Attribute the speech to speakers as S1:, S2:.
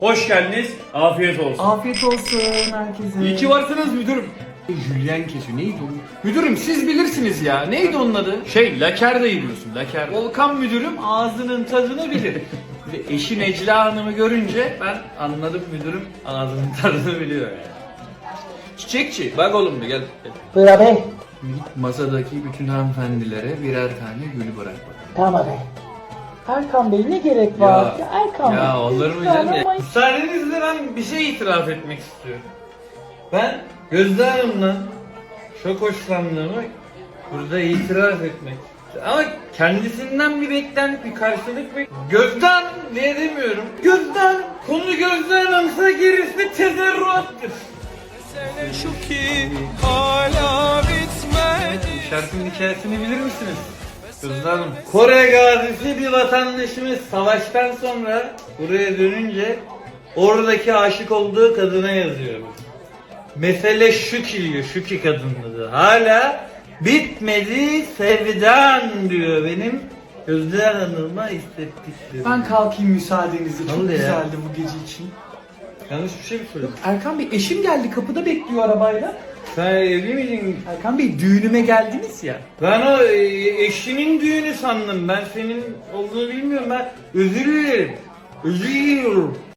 S1: Hoş geldiniz. Afiyet olsun.
S2: Afiyet olsun herkese.
S3: İyi ki varsınız müdürüm. Julien kesiyor. Neydi o? Müdürüm siz bilirsiniz ya. Neydi onun adı? Laker'de biliyorsun. Laker. Volkan müdürüm ağzının tadını bilir. Ve eşi Necla Hanım'ı görünce ben anladım müdürüm ağzının tadını biliyor yani. Çiçekçi bak oğlum bir gel.
S4: Buyur abi.
S3: Git masadaki bütün hanımefendilere birer tane gül bırak bakalım.
S4: Tamam abi. Erkan Bey ne gerek var? Ya, Erkan Bey.
S3: Ya olur mu
S4: lütfen
S3: canım ya?
S4: ama-
S1: Müsaadenizle ben bir şey itiraf etmek istiyorum. Ben Gözde Hanım'la çok hoşlandığımı burada itiraf etmek istiyorum. Ama kendisinden bir beklenti, bir karşılık Gözde Hanım diye demiyorum. Gözde Hanım, konu Gözde Hanım'sa gerisi tezerruattır.
S5: Şu ki hala bitmedi.
S1: Şarkının hikayesini bilir misiniz? Gözde Hanım. Kore gazisi bir vatandaşımız savaştan sonra buraya dönünce oradaki aşık olduğu kadına yazıyor. Mesele şu ki diyor, şu ki kadın diyor. Hala bitmedi sevdan diyor benim Gözde Hanım'a hissettiklerim.
S2: Ben kalkayım müsaadenizle. Çok
S1: Vallahi ya.
S2: güzeldi bu gece için.
S1: Yanlış bir şey mi söyledim?
S2: Erkan Bey eşim geldi kapıda bekliyor arabayla.
S1: Sen evli miydin?
S2: Erkan Bey düğünüme geldiniz ya.
S1: Ben o eşinin düğünü sandım. Ben senin olduğunu bilmiyorum. Ben özür dilerim. Özür diliyorum.